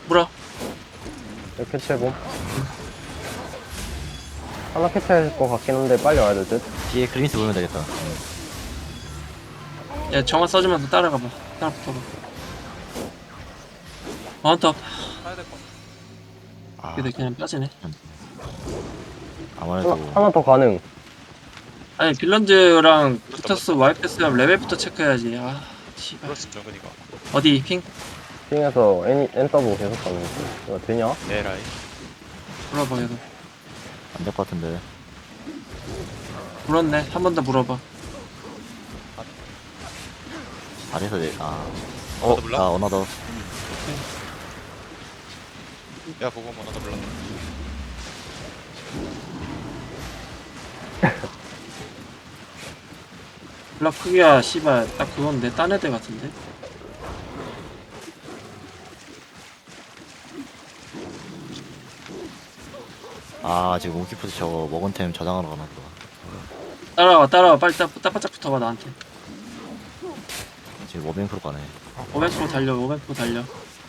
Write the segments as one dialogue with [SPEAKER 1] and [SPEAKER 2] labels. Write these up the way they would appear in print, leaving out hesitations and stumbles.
[SPEAKER 1] 물어.
[SPEAKER 2] 이렇게 채고 하나 캐치할 것 같긴 한데 빨리 와야 될 듯.
[SPEAKER 3] 뒤에 그린스 보면 되겠다.
[SPEAKER 1] 야, 정화 써주면서 따라가봐. 따라 붙어봐. 마운트업.
[SPEAKER 4] 가야 될 것 같아.
[SPEAKER 3] 아,
[SPEAKER 1] 근데 그냥 빠지네.
[SPEAKER 3] 아무래도
[SPEAKER 2] 하나 더 가능.
[SPEAKER 1] 아니, 빌런즈랑 붙었어. 와이패스랑 레벨부터 체크해야지. 아, 씨발.
[SPEAKER 4] 플러스 정근이가.
[SPEAKER 1] 어디, 핑?
[SPEAKER 2] 핑에서 NW 계속 가는 거. 이거 되냐?
[SPEAKER 4] 에라이.
[SPEAKER 1] 물어봐, 얘도.
[SPEAKER 3] 안 될 것 같은데.
[SPEAKER 1] 물었네. 한 번 더 물어봐.
[SPEAKER 3] 아래서 내,
[SPEAKER 4] 어나더 몰라?
[SPEAKER 3] 어나더.
[SPEAKER 4] 야 보고 어나더 몰라.
[SPEAKER 1] 블락 크기야, 씨발. 딱 그건데. 딴 애들 같은데?
[SPEAKER 3] 지금 웅키프스 저거 먹은 템 저장하러 가나 보다.
[SPEAKER 1] 따라와, 따라와. 빨리 따바짝 붙어봐, 나한테.
[SPEAKER 3] 지금 워빙 프로 가네.
[SPEAKER 1] 500% 달려, 500% 달려.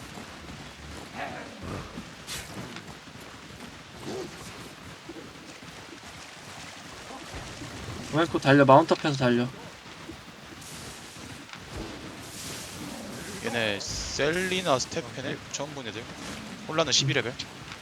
[SPEAKER 1] 웨이코 달려, 마운트업해서 달려.
[SPEAKER 4] 얘네 셀리나 스테펜을 처음 본 애들. 홀라는 12레벨.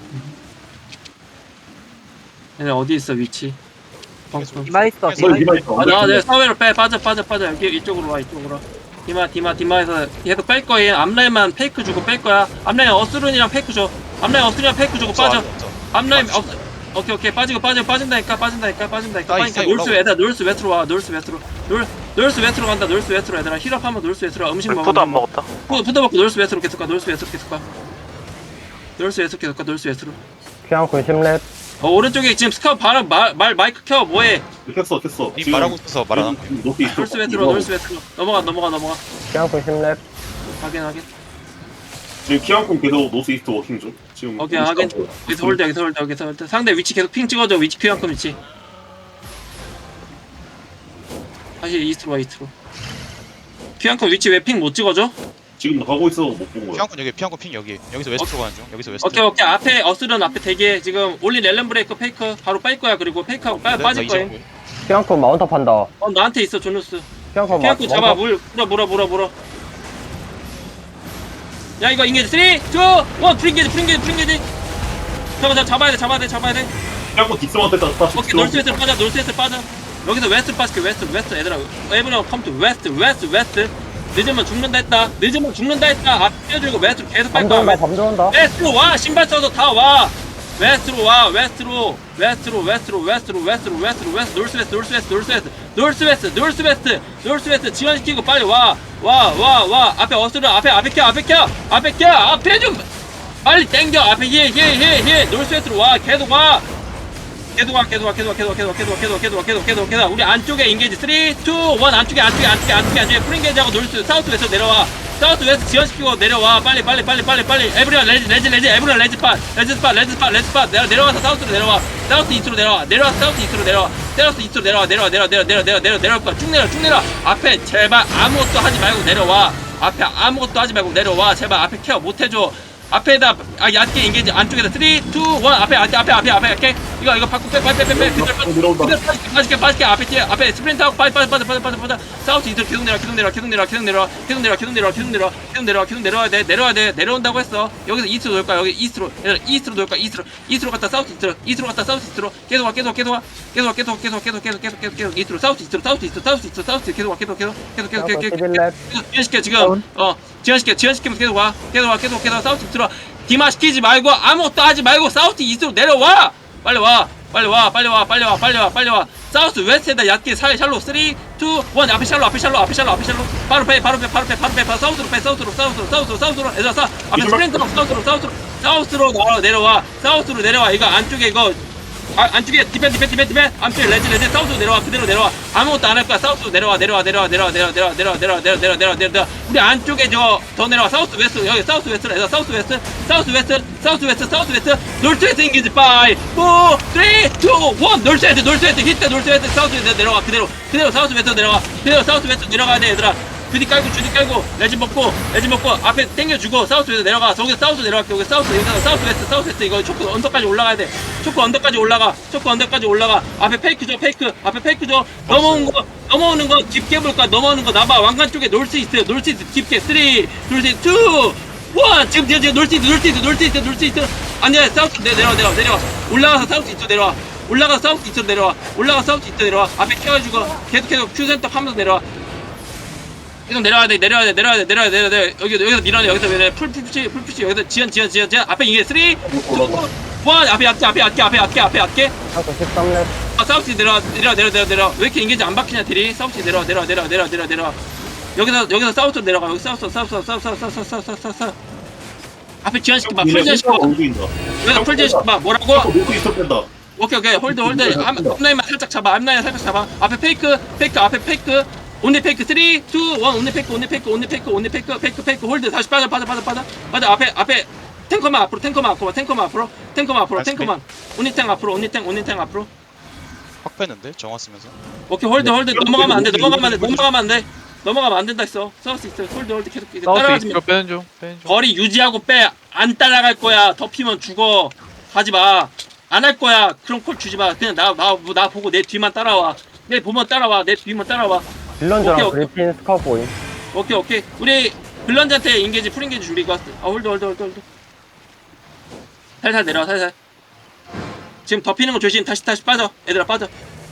[SPEAKER 1] 얘네 어디 있어, 위치? 펑크.
[SPEAKER 5] 디마 있어.
[SPEAKER 4] 계속
[SPEAKER 5] 디마 있어.
[SPEAKER 1] 내 사회로 빼, 빠져. 여기, 이쪽으로 와, 이쪽으로 와. 디마에서 계속 뺄 거야. 앞라인만 페이크 주고 뺄 거야. 앞라인 어스룬이랑 페이크 줘. 앞라인 어스룬이랑 페이크 주고 빠져. 앞라인, 오케이. 빠진다니까. 빠지니까. 놀스 얘들아, 놀스 웨트로 와, 놀스 웨트로 간다, 놀스 웨트로 얘들아. 힐업하면 놀스 웨트로 와. 음식 먹어.
[SPEAKER 5] 포도 안 먹었다.
[SPEAKER 1] 푸드 먹고 놀스 웨트로 계속 가, 놀스 웨트로.
[SPEAKER 2] 피앙콘 10렙.
[SPEAKER 1] 오른쪽에 지금 스카우트 바로 마이크 켜, 뭐해?
[SPEAKER 6] 켰어.
[SPEAKER 4] 님 말하고 있어서 말 안 한 거야.
[SPEAKER 6] 높이 있어.
[SPEAKER 1] 놀스 웨트로. 넘어가.
[SPEAKER 2] 피앙콘 10렙.
[SPEAKER 1] 확인.
[SPEAKER 6] 지금 키안콘 계속 노스 이스트 워킹 중. 지금.
[SPEAKER 1] 오케이, 확인. 여기서 홀드. 상대 위치 계속 핑 찍어줘. 위치 피한큼 위치. 다시 이스트로. 피한큼 위치 왜 핑 못 찍어줘?
[SPEAKER 6] 지금 가고 있어 못 본 거야.
[SPEAKER 4] 피앙콘 여기, 피앙콘 핑 여기. 여기서 웨스트로 가는 중. 여기서 웨스트.
[SPEAKER 1] 오케이. 앞에 어스런 앞에 대기해. 지금 올린 렐런 브레이크 페이크 바로 뺄 거야. 그리고 페이크하고 빠질 거야.
[SPEAKER 2] 피앙콘 마운트업 한다.
[SPEAKER 1] 나한테 있어, 조누스.
[SPEAKER 2] 피앙콘
[SPEAKER 1] 피한큼 잡아. 물어. 야, 이거 인게지. 3, 2, 1. 프린게지. 저거 잡아야 돼.
[SPEAKER 6] 키안콘 뒷섬한테 딱
[SPEAKER 1] 오케이, 놀스웨스트 빠져. 여기서 웨스트 빠질게. 웨스트 얘들아. 에브리언 컴투 웨스트. 늦으면 죽는다 했다. 앞 떼어주고 웨스트로 계속 뺄 거야.
[SPEAKER 2] 밤 들어온다.
[SPEAKER 1] 웨스트로 와. 신발 써서 다 와. 웨스트로. 놀스웨스트 지원시키고 빨리 와. 앞에 어스를 앞에 좀 빨리 땡겨. 앞에 힐. 놀스웨스트로 와. 계속 와. 우리 안쪽에 인게이지 3, 2, 1 안쪽에 프린게이지하고 놀스 사우스 웨스트 내려와. 사우스 웨스트 지원시키고 내려와. 빨리 에브리언 레지 에브리언 레지팟 내려와서 사우스로 내려와. 사우스 이스트로 내려와. 내려올 거야. 쭉 내려. 앞에 제발 아무것도 하지 말고 내려와. 제발 앞에 케어 못 해줘. 앞에다 얕게 인게이지 안쪽에다 3, 2, 1 앞에 할게. 이거 바꾸 빼. 빠질게. 앞에 스프린트하고 빠져. 사우스 이스트로 계속 내려와 돼. 내려온다고 했어. 여기서 이스트로 돌 거야. 여기 이스트로 돌 거야. 이스트로 갔다 사우스 이스트로 계속 와. 이스트로 사우스 이스트로 계속 와. 지연시켜 지금. 지연시키면 계속 와. 사우스 이스트로 디마 시키지 말고 아무것도 하지 말고 사우스 이스트로 내려와. 빨리 와. 사우스 웨스트에다 얕게 샬로 3, 2, 1 앞에 샬로 바로 빼 사우스로 얘들아 앞에 스프린트로 사우스로 내려와. 이거 안쪽에 디펜 안쪽에 레지 사우스로 내려와. 그대로 내려와. 아무것도 안 할 거야. 사우스로 내려와. 우리 안쪽에 더 내려와. 사우스 웨스트 여기 사우스 웨스트로 해서 사우스 웨스트 놀스웨스트 인기지 5, 4, 3, 2, 1 놀스웨스트 히트 놀스웨스트 사우스 웨스트 내려와. 그대로 사우스 웨스트 내려와. 내려가야 돼 얘들아. 주디 깔고 레지 먹고 앞에 땡겨주고 사우스에서 내려가. 저기서 사우스 내려갈게. 여기 사우스 여기서 사우스 웨스트 이거 초크 언덕까지 올라가야 돼. 초크 언덕까지 올라가. 앞에 페이크 줘. 넘어오는 거 깊게 볼 거야. 넘어오는 거 나봐. 왕관 쪽에 놀스 이스트 깊게 3 2 1 지금 놀스 이스트 아니야. 사우스 내려와. 올라가서 사우스 이스트 내려와. 앞에 켜가지고 계속 큐 센터 하면서 내려와. 계속 내려야 돼. 여기서 밀어내. 여기서 풀푸시. 여기서 지연. 앞에 이게 3, 2, 1. 앞에 얕게.
[SPEAKER 2] 한국 13렙.
[SPEAKER 1] 사우스 내려와. 왜 이렇게 인게지 안 박히냐, 딜이? 사우스 내려와. 여기서 사우스로 내려가. 여기 사우스. 앞에 지연시켜봐. 풀 지연시켜봐. 여기서 풀 지연시켜봐. 뭐라고?
[SPEAKER 6] 노스 이스트 뺀다.
[SPEAKER 1] 오케이 홀드 앞라인만 살짝 잡아. 앞에 페이크 앞에 페이크 온리 페이크 3 2 1 온리 페이크 홀드. 다시 빠져. 앞에 탱커만 앞으로 온리 탱 앞으로.
[SPEAKER 4] 확 뺐는데 정화 쓰면서.
[SPEAKER 1] 오케이 홀드 넘어가면 안 된다 했어. 사우스 있어. 홀드 계속
[SPEAKER 5] 사우스
[SPEAKER 1] 따라가지 마.
[SPEAKER 5] 이스트로 빼는 중.
[SPEAKER 1] 거리 유지하고 빼. 안 따라갈 거야. 덮이면 죽어. 가지 마. 안 할 거야. 그런 콜 주지 마. 그냥 나 보고 내 뒤만 따라와. 내 뒤만 따라와.
[SPEAKER 2] 빌런즈랑
[SPEAKER 1] 오케이.
[SPEAKER 2] 그리핀 스카우보이.
[SPEAKER 1] 오케이. 우리 빌런즈한테 인게지 풀인게지 준비가 왔어. 홀드. 살살 내려와. 지금 덮이는 거 조심. 다시 빠져. 얘들아 빠져.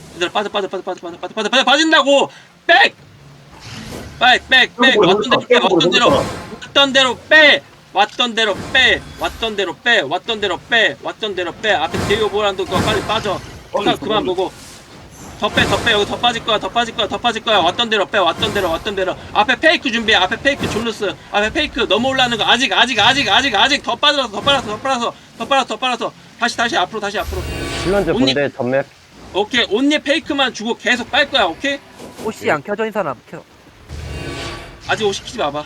[SPEAKER 1] 빠진다고. 백. 왔던 대로 빼. 앞에 데이오 보란도 그거 빨리 빠져. 그만 보고. 더 빼. 여기 더 빠질 거야. 왔던 대로 빼. 앞에 페이크 준비해. 앞에 페이크 졸루스. 앞에 페이크 넘어올라는 거 아직. 더 빨아서. 다시 앞으로.
[SPEAKER 2] 빌런즈
[SPEAKER 1] 언니.
[SPEAKER 2] 본대 전맵.
[SPEAKER 1] 오케이. 온리 페이크만 주고 계속 빨 거야. 오케이?
[SPEAKER 7] 옷이 안 켜져 있는 사람 켜.
[SPEAKER 1] 아직 50 키지 마봐.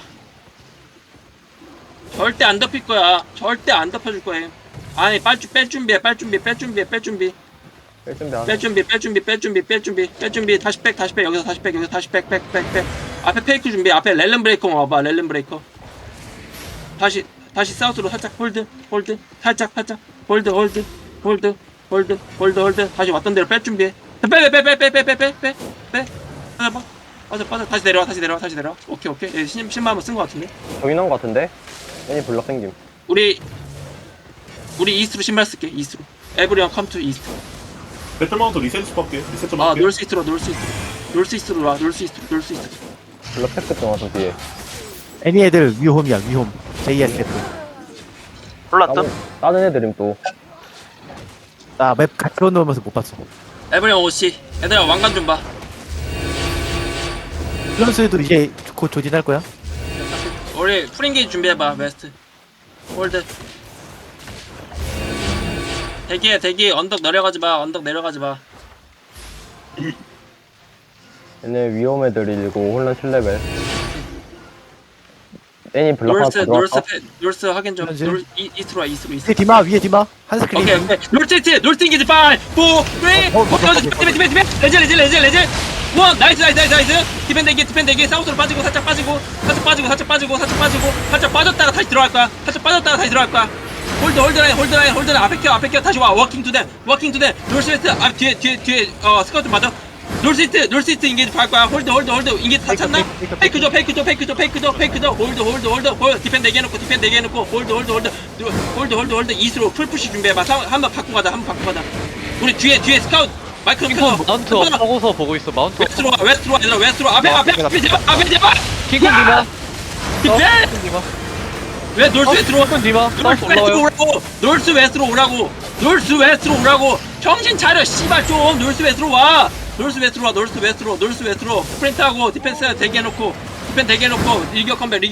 [SPEAKER 1] 절대 안 덮일 거야. 절대 안 덮여줄 거야. 아니, 뺄 준비해. 뺄 준비.
[SPEAKER 2] 뺄 준비 안 해.
[SPEAKER 1] 다시 백. 여기서 다시 백. 앞에 페이크 준비. 앞에 렐름 브레이커 와봐. 다시 사우스로 살짝 홀드. 살짝. 홀드. 다시 왔던 대로 뺄 준비해. 빼. 빠져. 다시 내려와. 오케이. 신발 한번 쓴 거 같은데.
[SPEAKER 2] 저기 나온 거 같은데? 애니 블럭 생김.
[SPEAKER 1] 우리 이스트로 신발 쓸게. 이스트로. 에브리언 컴 투 이스트.
[SPEAKER 6] 배틀마운트 리셋 좀 할게.
[SPEAKER 1] 놀스 이스트로 와.
[SPEAKER 2] 블럭 팩트 좀 와서 뒤에.
[SPEAKER 3] 애니 애들 위홈이야 위홈. JSF.
[SPEAKER 2] 다른 애들임 또.
[SPEAKER 3] 나 맵 같이 넣으면서 못 봤어.
[SPEAKER 1] 에브리언 오씨. 얘들아 왕관 좀 봐.
[SPEAKER 3] 플런스도 이제 곧 조진할 거야.
[SPEAKER 1] 우리 프링게이지 준비해봐. 웨스트. 홀드. 대기. 언덕 내려가지 마.
[SPEAKER 2] 얘네 위험 애들 일고 혼란 7레벨. 애니 블럭 하나 더 들어왔어.
[SPEAKER 1] 놀스 확인 좀.
[SPEAKER 3] 그러지.
[SPEAKER 1] 이스트로 와.
[SPEAKER 3] 위에 디마 한 스크린.
[SPEAKER 1] 오케이. 놀스 인게지 5 4 3 레젤 나이스 디펜 대기 사우스로 빠지고 살짝 빠졌다가 다시 들어갈 거야. 홀드 라인 앞에 켜 다시 와. 워킹 투 댐 놀스 웨스트 앞 뒤에 스카우트 맞아. 놀스 이스트 인게지 갈 거야. 홀드 인게지 다 찼나? 페이크 줘 홀드 디펜 대기해놓고 홀드 이스로 풀푸시 준비해봐. 한번 바꾸고 가자. 우리 뒤에 스카우트 마이크 좀 켜줘.
[SPEAKER 5] 마운트 없어서 보고 있어. 마운트
[SPEAKER 1] 웨스트로 와. 웨스트로 앞에 제발
[SPEAKER 5] 킹콩 디마.
[SPEAKER 1] 디펜 왜 놀스 웨스트로
[SPEAKER 5] 디마. 사우스 올라와요.
[SPEAKER 1] 놀스 웨스트로 오라고. 정신 차려 씨발 좀. 놀스 웨스트로 와. 스프린트하고 디펜스 대기해놓고 리기어 컴백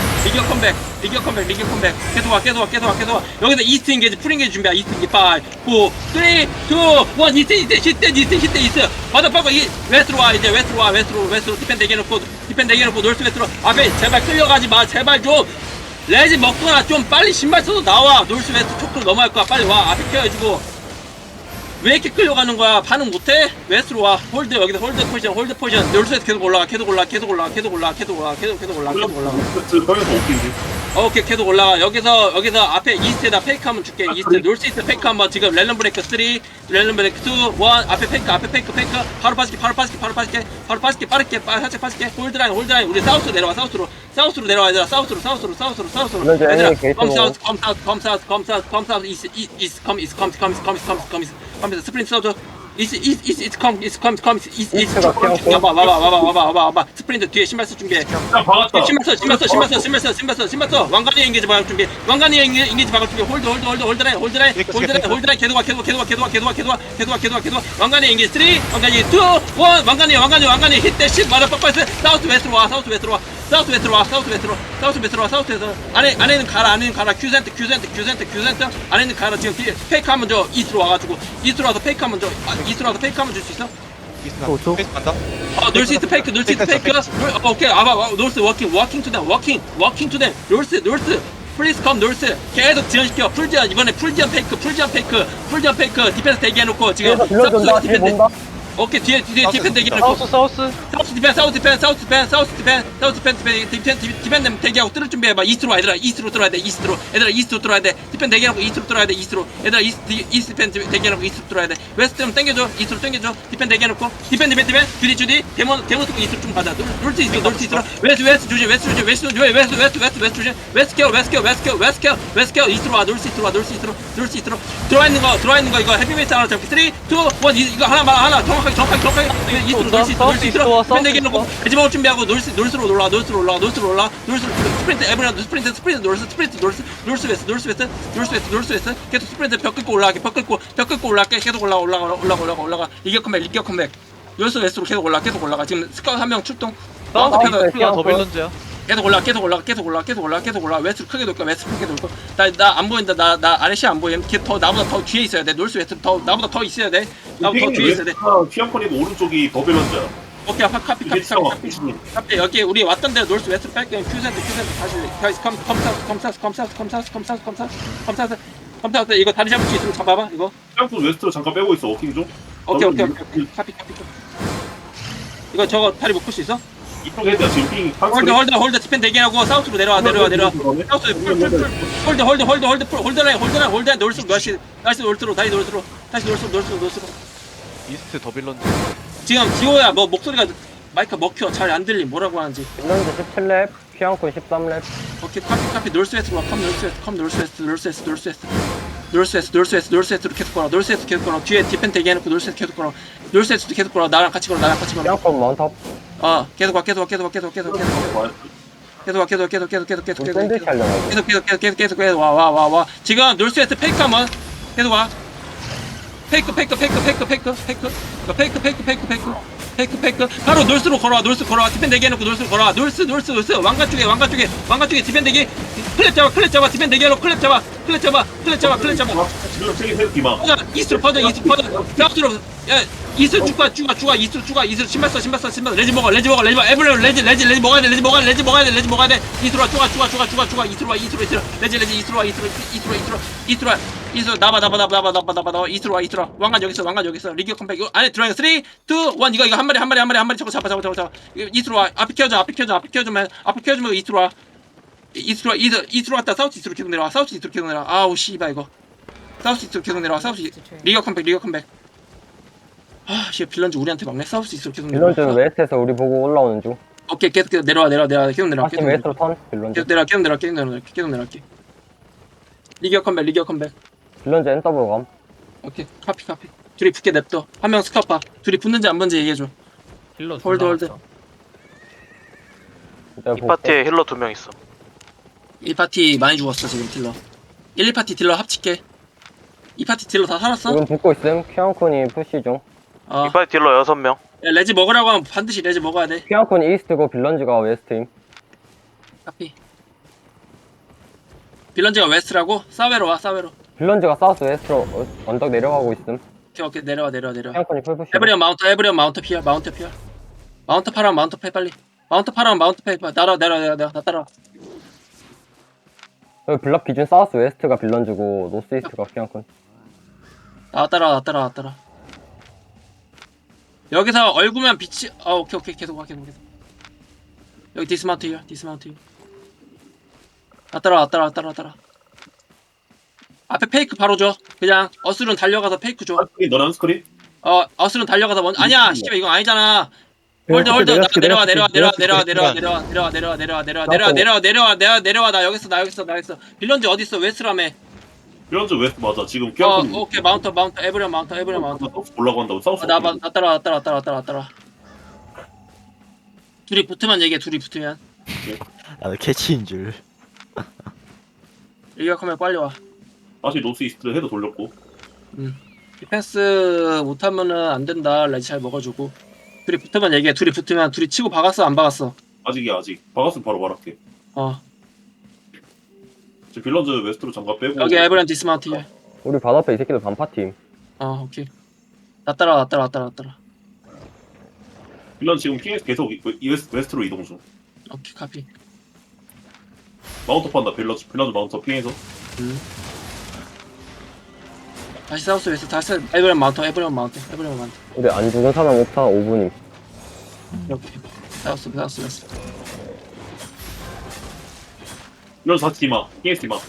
[SPEAKER 1] 계속 와. 여기서 이스트 인게지 풀 인게지 준비야. 이스트 인게지 5 4 3 2 1 이스트 맞아. 빠고 웨스트로 와. 웨스트로 디펜 대기해놓고 놀스 웨스트로 앞에 제발 끌려가지 마. 제발 좀 레지 먹거나 좀 빨리 신발 써서 나와. 놀스 웨스트 초크로 넘어갈 거야. 빨리 와. 앞에 켜해주고 왜 이렇게 끌려가는 거야? 반응 못해? 웨스트로 와. 홀드 여기서 홀드 포지션. 놀수에서 계속 올라가. 계속 올라가. 계속 올라가. 계속 올라가. 계속 올라가. 계속 올라가. 계속 올라가.
[SPEAKER 6] 형에서 오킹지.
[SPEAKER 1] 오케이 계속 올라가. 여기서 앞에 이스트에다 페이크 한번 줄게. 이스트 놀스 이스트 페이크 한번 지금 렐런 브레이크 3 렐런 브레이크 2 1 앞에 페이크 바로 빠질게 빠르게 살짝 빠질게. 홀드라인 우리 사우스로 내려와. 사우스로 내려와. 얘들아 사우스로
[SPEAKER 2] 런지
[SPEAKER 1] 얘들아
[SPEAKER 2] 애니 게이트
[SPEAKER 1] come south east come 스프린트 사우스 It's come 와봐 스프린트 뒤에 신발 쓸 준비해.
[SPEAKER 6] 야 박았다.
[SPEAKER 1] 신발 써. 왕관이 인게지 박을 준비. 홀드라인 계속 와. 왕관이 인게지 3, 왕관이 2, 1. 왕관이 히트 십 마라 빡빡스. 사우스 웨스트로 와. 안에는 가라. 큐센트. 안에는 가라. 지금 뒤에 페이크 한번 줘. 이스트로 와가지고. 이스트로 와서 페이크 한번 줄 수 있어?
[SPEAKER 4] 페이스 간다.
[SPEAKER 1] 놀스 이스트 페이크. 오케이. 놀스 워킹 투 댐. 놀스. 플리즈 컴 놀스. 계속 지연시켜. 풀지연 이번에 풀지연 페이크. 디펜스 대기해놓고 지금.
[SPEAKER 2] 뒤에서 빌런지 뒤에 본다
[SPEAKER 1] 오케이 뒤에 디펜스 대기해놓고.
[SPEAKER 5] 사우스
[SPEAKER 1] 디펜 대기하고 뚫을 준비해봐. 이스트로 와. 얘들아 이스트로 뚫어야 돼. 디펜 대기하고 이스트로 뚫어야 돼. 얘들아 이스트 디펜 대기하고 이스트로 뚫어야 돼. 웨스트 좀 당겨줘. 이스트로 당겨줘. 디펜 대기해놓고. 디펜 주디 데몬 쓰고 이스트로 좀 가자. 놀수 있어. 웨스트 조심. 웨스트 케어. 이스트로 와. 놀수 있도록 들어와 있는 거 이거 헤비메이트 하나 잡기. 3, 2, 1 이거 하나 정확하게 이스트로 놀수 있도록 디펜 대기해놓고 배지 먹을 준비하고 놀스로 올라. 스프린트 에브리언 스프린트 놀스 웨스트 계속 스프린트 벽 긁고 올라가게. 계속 올라가. 리기어 컴백 놀스 웨스트로 계속 올라가. 지금 스카우트 한 명 출동.
[SPEAKER 5] 사우스
[SPEAKER 2] 아,
[SPEAKER 5] 핑크가 더 빌런즈야.
[SPEAKER 1] 계속 올라. 웨스트 크게 돌 거야. 나 안 보인다. 나 아래 시안 보임. 나보다 더 뒤에 있어야 돼. 놀스 웨스트 나보다 더 있어야 돼. 나보다 더 뒤에 있어야 돼.
[SPEAKER 6] 피앙코니고 오른쪽이 버벨런즈야.
[SPEAKER 1] 오케이 카피 여기 우리 왔던 데 놀스 웨스트 뺄게. 큐센트 다시 컴사우스 이거 다리 잡을 수 있으면 잡아봐 이거.
[SPEAKER 6] 피앙코 웨스트로 잠깐 빼고 있어. 워킹 좀.
[SPEAKER 1] 오케이 카피 이거 저거 다리 못 풀 수 있어?
[SPEAKER 6] 이쪽 헤드야 지금 핑.
[SPEAKER 1] 홀드 디펜 대기하고 사우스로 내려와. 사우스 홀드 놀스 다시 놀스로 다시 놀스로.
[SPEAKER 5] 이스트 더 빌런즈.
[SPEAKER 1] 지금 지호야 뭐 목소리가 마이크 먹혀 잘 안 들림. 뭐라고 하는지.
[SPEAKER 2] 빌런지 17렙 피앙콘 13렙
[SPEAKER 1] 오케이 카피 놀스웨스트로 컴 놀스웨스트로 계속 걸어. 뒤에 디펜 대기해놓고 놀스웨스트 계속 걸어. 나랑 같이 걸어.
[SPEAKER 2] 피앙콘 마운트업
[SPEAKER 1] 계속 와. 계속
[SPEAKER 2] 샌드위치 하려고
[SPEAKER 1] 계속 와. 지금 놀스웨스트 페이크 한번 계속 와. 페이크 바로 놀스로 걸어와. 디펜 대기해놓고 놀스로 걸어와. 놀스 왕관 쪽에 디펜 대기. 클랩 잡아 디펜 대기해놓고 클랩 잡아.
[SPEAKER 6] 지금 핑이 헤드 디마.
[SPEAKER 1] 이스트로 퍼져. 사우스로 이스트 쭉 이스트 신발 써. 레지 먹어. 에브리온 레지 먹어야 돼. 이스트로 와. 이스트로 나봐. 이스트로 와. 왕관 여기 있어. 리기어 컴백 안에 들어가. 3, 2, 1 이거 한 마리 저거 잡아. 이스트로 와. 앞에 키워주면 이스트로 와. 이스트로 왔다. 사우스 이스트로 계속 내려와. 아우 씨발 이거. 사우스 이스트로 계속 내려와. 리기어 컴백. 아, 씨 빌런즈 우리한테 막네. 사우스 이스트로 계속 내려와.
[SPEAKER 2] 빌런즈는 웨스트에서 우리 보고 올라오는 중
[SPEAKER 1] 오케이, 계속 내려와. 계속 내려와.
[SPEAKER 2] 다시 웨스트로 턴 빌런즈
[SPEAKER 1] 계속 내려갈게. 리기어 컴백.
[SPEAKER 2] 빌런즈 NW 감
[SPEAKER 1] 오케이, 카피. 둘이 붙게 냅둬. 한 명 스카파. 둘이 붙는지 안 붙는지 얘기해줘. 홀드.
[SPEAKER 8] 이 파티에 힐러 2명 있어.
[SPEAKER 1] 1파티 많이 죽었어 지금 딜러. 1, 2파티 딜러 합칠게. 2파티 딜러 다 살았어?
[SPEAKER 2] 지금 붙고 있음 피앙콘이 푸시 중
[SPEAKER 8] 이 파티 딜러 6명.
[SPEAKER 1] 야, 레지 먹으라고 하면 반드시 레지 먹어야 돼.
[SPEAKER 2] 피앙콘이 이스트고 빌런즈가 웨스트임
[SPEAKER 1] 카피. 빌런즈가 웨스트라고? 사웨로 와.
[SPEAKER 2] 빌런즈가 사우스 웨스트로 언덕 내려가고 있음
[SPEAKER 1] 오케이 내려와.
[SPEAKER 2] 피앙콘이 풀푸시
[SPEAKER 1] 에브리언 마운트 피어. 마운트 파라 마운트 패 빨리. 마운트 패 내려 나 따라와.
[SPEAKER 2] 여기 블럭 기준 사우스 웨스트가 빌런즈고 노스 이스트가 피앙콘
[SPEAKER 1] 나왔더라. 여기서 얼굴만 빛이 오케이 계속 와. 여기 디스마운트 힐. 왔더라. 앞에 페이크 바로 줘. 그냥 어스룬 달려가서 페이크 줘.
[SPEAKER 6] 한스크린 너네 한스크린?
[SPEAKER 1] 어스룬 달려가서 먼저 아니야 씨발 이거 아니잖아. 홀드 내려와 나 여기 있어. 빌런즈 어디 있어? 웨스트라며.
[SPEAKER 6] 빌런즈 웨스트 맞아. 지금 키안콘
[SPEAKER 1] 오케이 마운터 에브리언 마운터.
[SPEAKER 6] 올라고 한다고 사우스.
[SPEAKER 1] 나 따라. 둘이 붙으면 얘기해.
[SPEAKER 3] 나도 캐치인 줄.
[SPEAKER 1] 일격하면 빨리 와.
[SPEAKER 6] 다시 노스 이스트 헤드 돌렸고.
[SPEAKER 1] 디펜스 못하면은 안 된다. 레지 잘 먹어주고. 둘이 붙으면 얘기해. 둘이 치고 박았어 안 박았어?
[SPEAKER 6] 아직이야 아직. 박았으면 바로 말할게. 지금 빌런즈 웨스트로 장갑 빼고.
[SPEAKER 1] 여기 에브리언 디스마운트 힐.
[SPEAKER 2] 우리 바로 앞에 이 새끼들 반파팀.
[SPEAKER 1] 오케이. 나 따라.
[SPEAKER 6] 빌런즈 지금 킹에서 계속 웨스트로 이동 중.
[SPEAKER 1] 오케이 카피.
[SPEAKER 6] 마운터 판다 빌런즈 마운터 핑에서.
[SPEAKER 1] 다시 사우스 웨스트 다시 에브리언 마운터.
[SPEAKER 2] 우리 안 죽은 사람 없다 5분임.
[SPEAKER 1] 이렇게 사우스 웨스트.
[SPEAKER 6] 빌런즈 다시 디마. 킹에서 디마.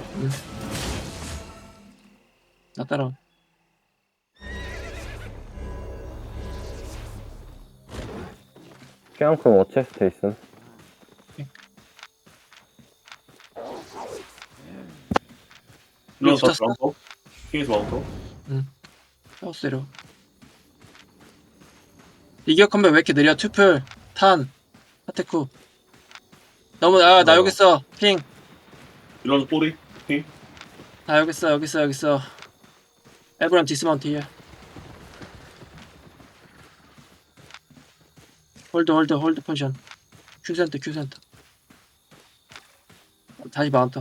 [SPEAKER 1] 나 따라.
[SPEAKER 2] 키안콘 워체스트 있음.
[SPEAKER 6] 빌런즈 다시
[SPEAKER 1] 붙었어?
[SPEAKER 6] 마운터. 킹에서 마운터.
[SPEAKER 1] 사우스 내려. 이격 컴백 왜 이렇게 느려? 투플 탄 하테쿠. 너무 나 여기 있어. 핑.
[SPEAKER 6] 빌런즈 꼬리.
[SPEAKER 1] 나 여기 있어. 에브리언 디스마운트 힐. 홀드 포지션. 큐센터. 다시 마운터.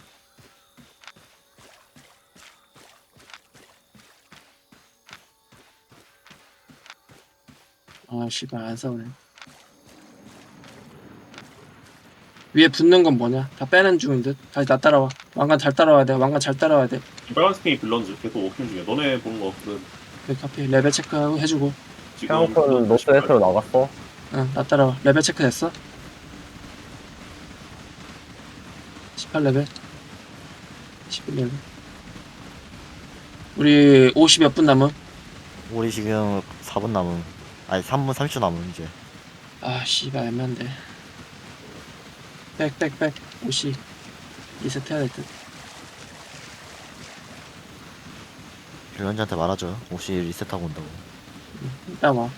[SPEAKER 1] 씨발 안 싸우네. 위에 붙는 건 뭐냐? 다 빼는 중인 듯. 다시 나 따라와. 왕관 잘 따라와야 돼.
[SPEAKER 6] 빨간 스킨이 빌런즈 계속 워킹 중이야. 너네 보는 거 없거든.
[SPEAKER 1] 여기 카피 레벨 체크 해주고.
[SPEAKER 6] 지금
[SPEAKER 2] 키안콘 노스 웨스트로 나갔어.
[SPEAKER 1] 나 따라와. 레벨 체크 됐어? 18레벨 11레벨 우리 50 몇 분 남음.
[SPEAKER 3] 우리 지금 4분 남음. 아니 3분 30초 남음 이제.
[SPEAKER 1] 씨발 애매한데. 백 50 리셋 해야 될듯.
[SPEAKER 3] 빌런즈한테 말하죠. 혹시 리셋하고 온다고.
[SPEAKER 1] 일단 와.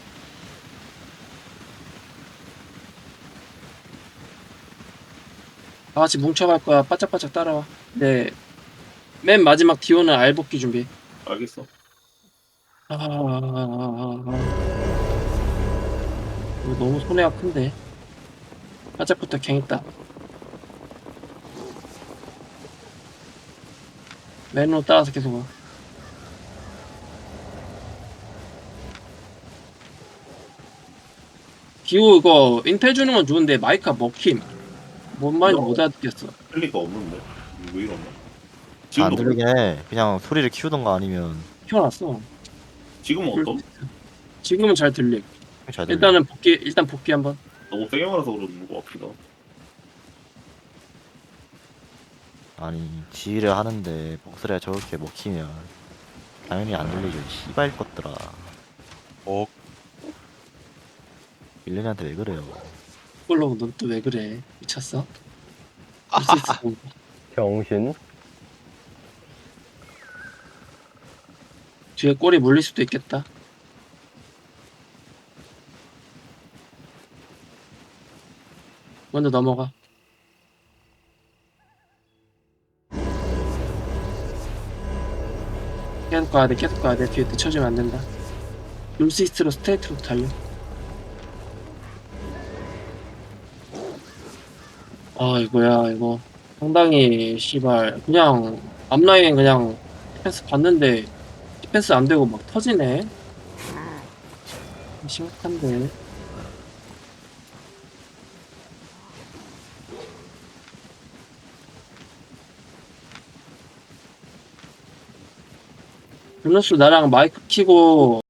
[SPEAKER 1] 다 같이 뭉쳐갈 거야. 바짝바짝 따라와. 네. 맨 마지막 디오는 알 복귀 준비.
[SPEAKER 6] 알겠어.
[SPEAKER 1] 이거 너무 손해가 큰데. 바짝부터 갱했다. 맨으로 따라서 계속 와. 기호 이거 인텔 주는 건 좋은데 마이크가 먹힘. 뭔 말인지 못 알아듣겠어.
[SPEAKER 6] 할 리가 없는데. 왜 이러나?
[SPEAKER 3] 안
[SPEAKER 6] 지금도
[SPEAKER 3] 들리긴 해. 그냥 소리를 키우던가 아니면
[SPEAKER 1] 키워놨어.
[SPEAKER 6] 지금은 어떤?
[SPEAKER 1] 지금은 잘 들리.
[SPEAKER 3] 잘 들려.
[SPEAKER 1] 일단 복귀 한번.
[SPEAKER 6] 너무 세게 말아서 그러는 거 같기도 하고.
[SPEAKER 3] 아니 지휘를 하는데 목소리가 저렇게 먹히면 당연히 안 들리죠. 씨발 것들아. 밀레니한테 왜 그래요?
[SPEAKER 1] 폴로우 넌 또 왜 그래? 미쳤어?
[SPEAKER 2] 병신.
[SPEAKER 1] 뒤에 꼬리 물릴 수도 있겠다. 먼저 넘어가. 계속 가야 돼. 뒤에 늦춰지면 안 된다. 룸시스트로 스트레이트로 달려. 이거 상당히 씨발 그냥 앞라인 그냥 디펜스 봤는데 디펜스 안 되고 막 터지네. 심각한데. 블루스 나랑 마이크 키고